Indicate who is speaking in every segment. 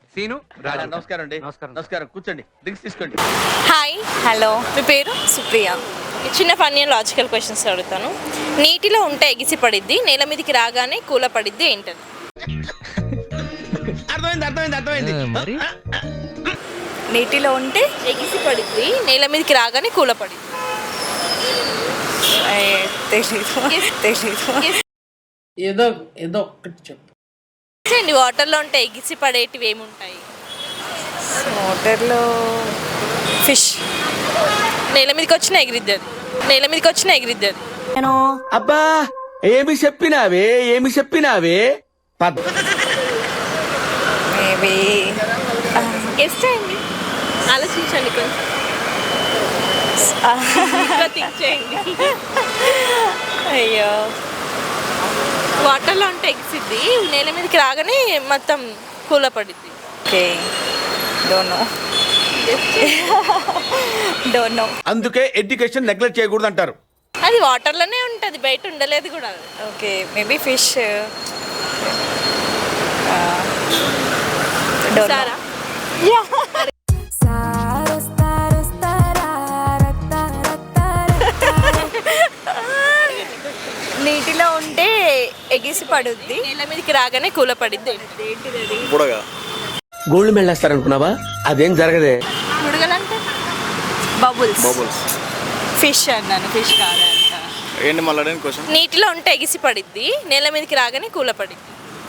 Speaker 1: Scene రాజు.
Speaker 2: నమస్కారం అండి.
Speaker 1: నమస్కారం.
Speaker 2: నమస్కారం, కూర్చోండి, డ్రింక్స్ తీసుకోండి.
Speaker 3: హాయ్.
Speaker 4: హలో,
Speaker 3: మీ పేరు?
Speaker 4: సుప్రియ.
Speaker 3: చిన్న ఫన్నీ లాజికల్ క్వశ్చన్స్ అడుగుతాను. నీటిలో ఉంటే ఎగిసి పడిద్ది, నేల మీదకి రాగానే కూల పడిద్ది, ఏంటది?
Speaker 2: అర్థమైంది.
Speaker 1: మరి
Speaker 4: నీటిలో ఉంటే
Speaker 3: ఎగిసి పడిద్ది, నేల మీదకి రాగానే కూల పడిద్ది.
Speaker 4: తెలీదు.
Speaker 5: ఏదో ఒక్కటి చెప్పు.
Speaker 3: అండి, వాటర్లో ఉంటే ఎగిసి పడేటివి ఏముంటాయి?
Speaker 4: వాటర్లో ఫిష్.
Speaker 3: నేల మీదకి వచ్చిన ఎగిరిద్ది అది. నేల మీదకి వచ్చిన ఎగిరిద్ది అది.
Speaker 2: అబ్బా, ఏమి చెప్పినావే
Speaker 4: మేబీ
Speaker 3: గెస్ చేయండి, ఆలోచించండి, కొంచెం ఇంకా థింక్ చేయండి.
Speaker 4: అయ్యో,
Speaker 3: వాటర్లో ఉంటే ఎగిసిద్ది, నేల మీదకి రాగానే మొత్తం కూల పడిద్ది.
Speaker 4: Okay, don't know.
Speaker 2: అందుకే ఎడ్యుకేషన్ నెగ్లెక్ట్ చేయకూడదు అంటారు.
Speaker 3: అది వాటర్లోనే ఉంటుంది, బయట ఉండలేదు కూడా.
Speaker 4: Okay, maybe fish.
Speaker 3: సారా?
Speaker 4: నీటిలో ఉంటే ఎగిసి పడుద్ది,
Speaker 3: నేల మీదకి రాగానే కూల పడిద్ది.
Speaker 2: గోల్డ్ మెడల్ వేస్తారనుకున్నావా? అదేం జరగదే.
Speaker 3: ముడగలంటే
Speaker 4: బబుల్స్. ఫిష్ అన్నాను, ఫిష్ కాదంట.
Speaker 6: ఏంటి మళ్ళీ క్వశ్చన్?
Speaker 3: నీటిలో ఉంటే ఎగిసి పడిద్ది, నేల మీదకి రాగానే కూల పడిద్ది.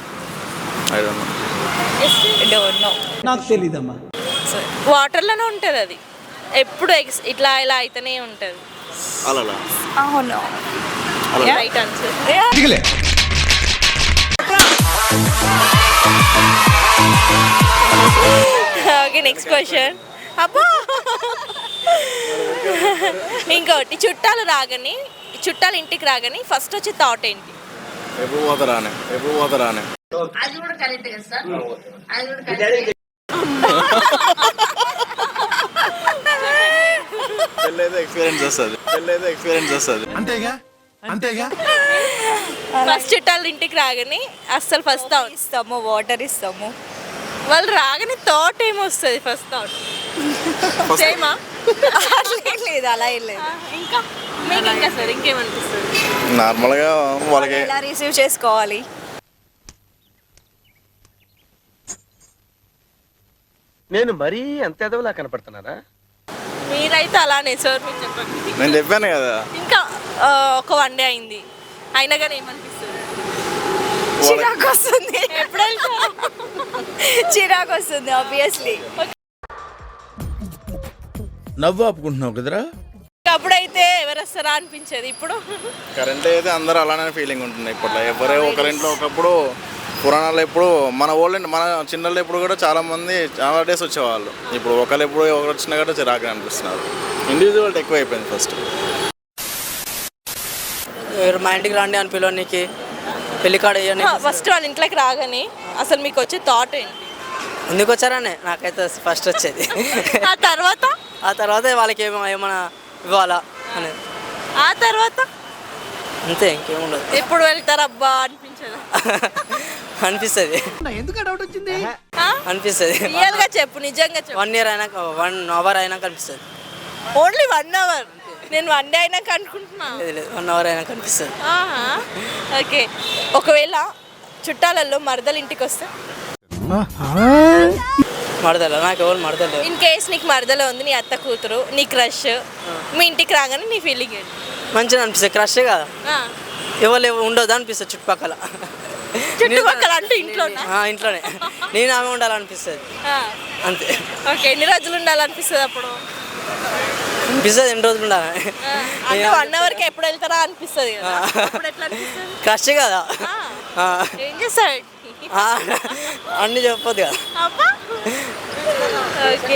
Speaker 4: Don't know.
Speaker 5: నాకు తెలీదమ్మా.
Speaker 3: వాటర్లోనే ఉంటుంది అది, ఎప్పుడు ఇట్లా ఇలా అయితేనే ఉంటుంది.
Speaker 6: అలా
Speaker 4: అవును.
Speaker 3: Right answer. Okay, next question. అబ్బా, ఇంకోటి, చుట్టాలు ఇంటికి రాగానే ఫస్ట్ వచ్చే థాట్ ఏంటి?
Speaker 6: ఎప్పుడు పోతారానే పెళ్ళైతే ఎక్స్పీరియన్స్ వస్తుంది.
Speaker 2: అంతేగా.
Speaker 3: ఫస్ట్ చుట్టాలు ఇంటికి రాగానే అస్సలు ఫస్ట్ థాట్
Speaker 4: ఇస్తాము, వాటర్ ఇస్తాము.
Speaker 3: వాళ్ళు రాగానే థాట్ ఏమొస్తుంది? ఫస్ట్ థాట్ సేమా?
Speaker 4: లేదు, అలా ఏం లేదు.
Speaker 3: ఇంకా మీకు ఇంకా సార్ ఇంకేమనిపిస్తుంది?
Speaker 6: నార్మల్గా వాళ్ళకి
Speaker 4: ఎలా రిసీవ్ చేసుకోవాలి?
Speaker 2: నేను మరీ అంత ఎదవలా కనపడుతున్నారా?
Speaker 3: మీరైతే అలానే సార్, మీరు చెప్పండి.
Speaker 6: నేను చెప్పాను కదా,
Speaker 3: ఇంకా ఒక వన్ డే అయింది, అయినా కానీ ఏమనిపిస్తుంది?
Speaker 4: చిరాకు వస్తుంది.
Speaker 3: ఎప్పుడు వెళ్తారు?
Speaker 4: చిరాకు వస్తుంది ఆబ్వియస్లీ.
Speaker 2: నవ్వు ఆపుకుంటున్నావు కదరా.
Speaker 3: అప్పుడైతే ఎవరు వస్తారా అనిపించేది, ఇప్పుడు
Speaker 6: కరెంట్ అయితే అందరూ అలానే ఫీలింగ్ ఉంటుంది. ఇప్పట్లో ఎవరే ఒకరింట్లో ఒకప్పుడు పురాణాలు ఎప్పుడు మన చిన్నళ్ళు ఎప్పుడు కూడా చాలా డేస్ వచ్చేవాళ్ళు. ఇప్పుడు ఒకరు వచ్చినా కూడా చిరాకు అనిపిస్తున్నారు. ఇండివిజువల్ ఎక్కువ అయిపోయింది.
Speaker 5: మా ఇంటికి రండి అని పిలవడానికి, పెళ్లి కాడ
Speaker 3: ఫస్ట్ వాళ్ళ ఇంట్లోకి రాగానే అసలు మీకు వచ్చే థాట్ ఏంటి?
Speaker 5: ఎందుకు వచ్చారనే నాకైతే ఫస్ట్ వచ్చేది.
Speaker 3: ఆ తర్వాత
Speaker 5: వాళ్ళకి ఏమైనా ఇవ్వాలా అనేది.
Speaker 3: ఆ తర్వాత
Speaker 5: అంతే, ఇంకేముండదు.
Speaker 3: ఎప్పుడు వెళ్తారు అబ్బా అనిపించదా?
Speaker 5: అనిపిస్తుంది. అనిపిస్తుంది.
Speaker 3: రియల్ గా చెప్పు, నిజంగా చెప్పు.
Speaker 5: 1 year అయినాక, 1 hour అయినాక అనిపిస్తుంది.
Speaker 3: Only 1 hour? నేను 1 day అయినాక అనుకుంటున్నా.
Speaker 5: లేదు, 1 hour అయినాక అనిపిస్తుంది.
Speaker 3: ఓకే, ఒకవేళ చుట్టాలలో మరదలు ఇంటికి వస్తే?
Speaker 5: మరదలు నాకు ఎవరు మరదలు.
Speaker 3: ఇన్ కేస్ నీకు మరదలు ఉంది, నీ అత్త కూతురు, నీ క్రష్ మీ ఇంటికి రాగానే నీ ఫీలింగ్ ఏంటి?
Speaker 5: మంచిగా అనిపిస్తుంది. క్రషే కదా, ఎవరు ఉండదు అనిపిస్తుంది చుట్టుపక్కల.
Speaker 3: అంటే
Speaker 5: ఇంట్లోనే నేను ఆమె ఉండాలనిపిస్తుంది అంతే.
Speaker 3: ఓకే, ఎన్ని రోజులు ఉండాలనిపిస్తుంది అప్పుడు?
Speaker 5: అనిపిస్తుంది ఎన్ని రోజులు ఉండాలి.
Speaker 3: 1 hourకి ఎప్పుడు వెళ్తారా అనిపిస్తుంది కదా, అప్పుడు ఎట్లా అనిపిస్తుంది?
Speaker 5: క్రషే కదా,
Speaker 3: ఏం చేస్తాడు?
Speaker 5: అన్నీ చెప్పొద్దు కదా.
Speaker 3: ఓకే,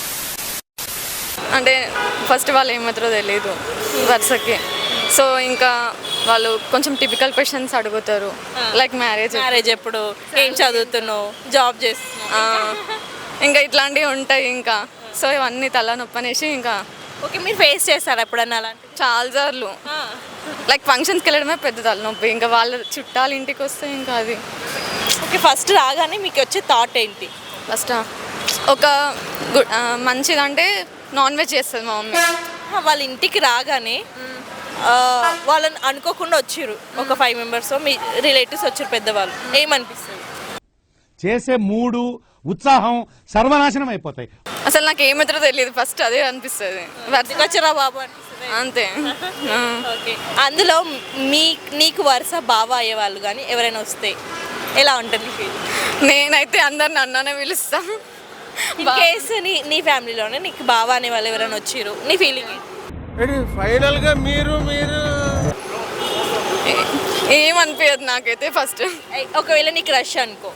Speaker 7: అంటే ఫస్ట్ వాళ్ళు ఏమాత్రో తెలియదు వరుసకి. సో ఇంకా వాళ్ళు కొంచెం టిపికల్ క్వశ్చన్స్ అడుగుతారు, లైక్ మ్యారేజ్
Speaker 3: ఎప్పుడు, ఏం చదువుతున్నావు, జాబ్ చేస్తున్నావు,
Speaker 7: ఇంకా ఇట్లాంటివి ఉంటాయి. ఇంకా సో ఇవన్నీ తలనొప్పనేసి ఇంకా.
Speaker 3: ఓకే, మీరు ఫేస్ చేస్తారా ఎప్పుడన్నా అలాంటి?
Speaker 7: చాలా సార్లు. లైక్ ఫంక్షన్స్కి వెళ్ళడమే పెద్ద తలనొప్పి, ఇంకా వాళ్ళ చుట్టాలు ఇంటికి వస్తే ఇంకా అది.
Speaker 3: ఓకే, ఫస్ట్ రాగానే మీకు వచ్చే థాట్ ఏంటి?
Speaker 7: ఫస్ట్ ఒక మంచిగా అంటే నాన్ వెజ్ చేస్తుంది మా మమ్మీ.
Speaker 3: వాళ్ళ ఇంటికి రాగానే వాళ్ళని అనుకోకుండా వచ్చిర్రు ఒక 5 మెంబర్స్ మీ రిలేటివ్స్ వచ్చారు పెద్దవాళ్ళు, ఏమనిపిస్తుంది?
Speaker 1: చేసే మూడు ఉత్సాహం సర్వనాశనం అయిపోతాయి.
Speaker 7: అసలు నాకు ఏమిత్రో తెలియదు, ఫస్ట్ అదే అనిపిస్తుంది.
Speaker 3: వచ్చరా బాబు అనిపిస్తుంది.
Speaker 7: అంతే.
Speaker 3: ఓకే. అందులో నీకు వరుస బావ అయ్యేవాళ్ళు కానీ ఎవరైనా వస్తే ఎలా ఉంటుంది ఫీల్?
Speaker 7: నేనైతే అందరిని అన్నానే పిలుస్తా.
Speaker 3: కేసు నీ ఫ్యామిలీలోనే నీకు బావ అనే వాళ్ళు ఎవరైనా వచ్చిర్రు, నీ ఫీలింగ్?
Speaker 2: ఫైనల్ గా మీరు
Speaker 7: ఏమనిపించదు నాకైతే ఫస్ట్.
Speaker 3: ఒకవేళ నీకు రష్ అనుకో,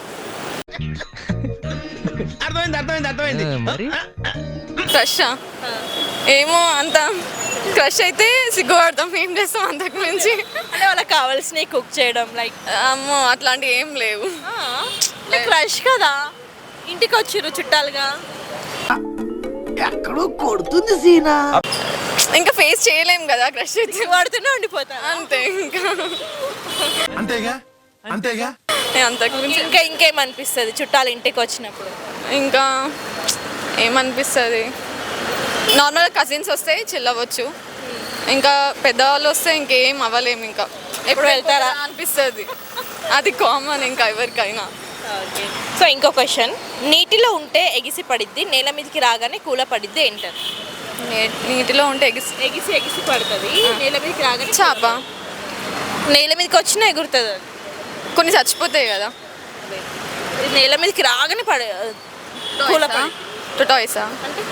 Speaker 2: అర్థమైంది
Speaker 7: క్రష్ ఏమో అంత క్రష్ అయితే సిగ్గుపడతాం, ఏం చేస్తాం అంతకు మించి.
Speaker 3: అంటే వాళ్ళకి కావాల్సినవి కుక్ చేయడం లైక్
Speaker 7: అమ్మో అట్లాంటివి ఏం లేవు.
Speaker 3: క్రష్ కదా, ఇంటికి వచ్చిర్రు చుట్టాలుగా.
Speaker 2: ఎక్కడో కొడుతుంది సీనా.
Speaker 7: ఇంకా ఫేస్ చేయలేం కదా క్రష్ అయితే,
Speaker 3: వాడుతూనే ఉండిపోతా
Speaker 7: అంతే.
Speaker 1: అంతేగా
Speaker 7: అంతకు మించి
Speaker 3: ఇంకేమనిపిస్తుంది చుట్టాలు ఇంటికి వచ్చినప్పుడు?
Speaker 7: ఇంకా ఏమనిపిస్తుంది, నార్మల్గా కజిన్స్ వస్తే చిల్లవచ్చు, ఇంకా పెద్దవాళ్ళు వస్తే ఇంకేం అవ్వలేము. ఇంకా ఎప్పుడు వెళ్తారా అనిపిస్తుంది, అది కామన్ ఇంకా ఎవరికైనా.
Speaker 3: ఓకే. సో ఇంకో క్వశ్చన్, నీటిలో ఉంటే ఎగిసి పడిద్ది, నేల మీదకి రాగానే కూల పడిద్ది ఏంటారు?
Speaker 7: నీటిలో ఉంటే
Speaker 3: ఎగిసి పడుతుంది, నేల మీదకి రాగానే
Speaker 7: చేప.
Speaker 3: నేల మీదకి వచ్చినా ఎగురుతుంది అది.
Speaker 7: కొన్ని చచ్చిపోతాయి కదా.
Speaker 3: నేల మీదకి రాగానే కూల
Speaker 7: టొటాయిసా?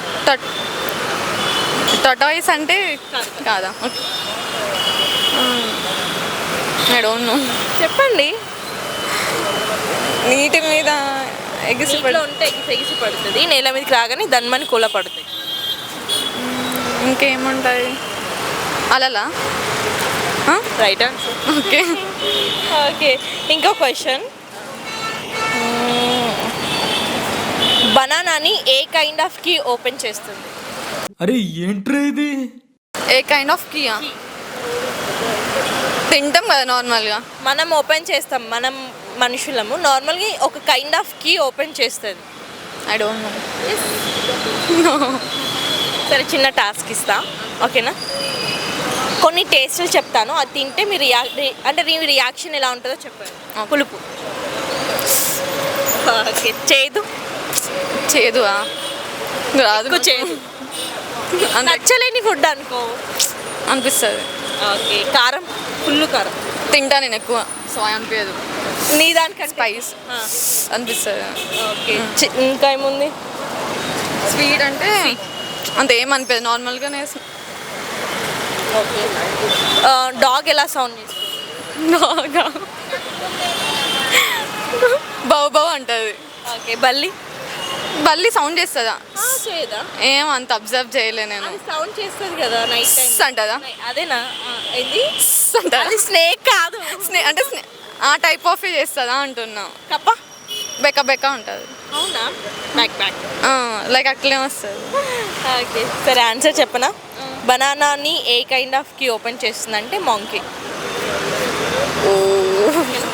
Speaker 7: టొటాయిస్ అంటే కాదా? I don't know.
Speaker 3: చెప్పండి.
Speaker 7: నీటి మీద ఎగిసి
Speaker 3: ఉంటే ఎగిసి పడుతుంది, నేల మీదకి రాగానే దన్మని కూల పడుతుంది.
Speaker 7: ఇంకేముంటుంది? అలలా?
Speaker 3: Right answer.
Speaker 7: ఓకే.
Speaker 3: ఓకే. ఇంకో క్వశ్చన్, బనానాని a kind of key open చేస్తుంది?
Speaker 8: అరే ఏంట్రా ఇది?
Speaker 7: ఏ కైండ్ ఆఫ్ కీయా? తింటాం కదా నార్మల్గా.
Speaker 3: మనం ఓపెన్ చేస్తాం, మనం మనుషులము నార్మల్గా ఒక కైండ్ ఆఫ్ కీ ఓపెన్ చేస్తుంది.
Speaker 7: I don't know.
Speaker 3: సరే, చిన్న టాస్క్ ఇస్తా, ఓకేనా? కొన్ని టేస్టులు చెప్తాను, అది తింటే మీ అంటే మీ రియాక్షన్ ఎలా ఉంటుందో చెప్పండి. పులుపు, ఓకే.
Speaker 7: చేదు రాదు,
Speaker 3: చేదు నచ్చలేని ఫుడ్ అనుకో
Speaker 7: అనిపిస్తుంది.
Speaker 3: ఓకే. కారం, ఫుల్ కారం
Speaker 7: తింటా నేను ఎక్కువ, సో అనిపించదు.
Speaker 3: నీ దానికంటే
Speaker 7: స్పైస్ అనిపిస్తుంది.
Speaker 3: ఓకే. ఇంకా ఏముంది?
Speaker 7: స్వీట్ అంటే అంత ఏమనిపించదు, నార్మల్గానే.
Speaker 3: ఓకే. డాగ్ ఎలా సౌండ్ చేస్తుంది?
Speaker 7: బౌ బౌ అంటుంది.
Speaker 3: ఓకే.
Speaker 7: బల్లి సౌండ్ చేస్తుందా?
Speaker 3: చేయదా?
Speaker 7: ఏం అంత అబ్జర్వ్ చేయలే నేను.
Speaker 3: సౌండ్ చేస్తుంది కదా నైట్ టైం
Speaker 7: అంటదా?
Speaker 3: అదేనా? ఇది
Speaker 7: అంటదా?
Speaker 3: స్నేక్ కాదు,
Speaker 7: అంటే ఆ టైప్ ఆఫ్ చేస్తుందా అంటున్నా.
Speaker 3: కప్ప
Speaker 7: బెక్క బెక్క ఉంటుంది.
Speaker 3: అవునా? బ్యాక్
Speaker 7: లైక్ అట్లే వస్తుంది.
Speaker 3: ఓకే. సరే, ఆన్సర్ చెప్పనా? బనానాని a kind of key open చేస్తుందంటే మాంకీ.
Speaker 7: ఓ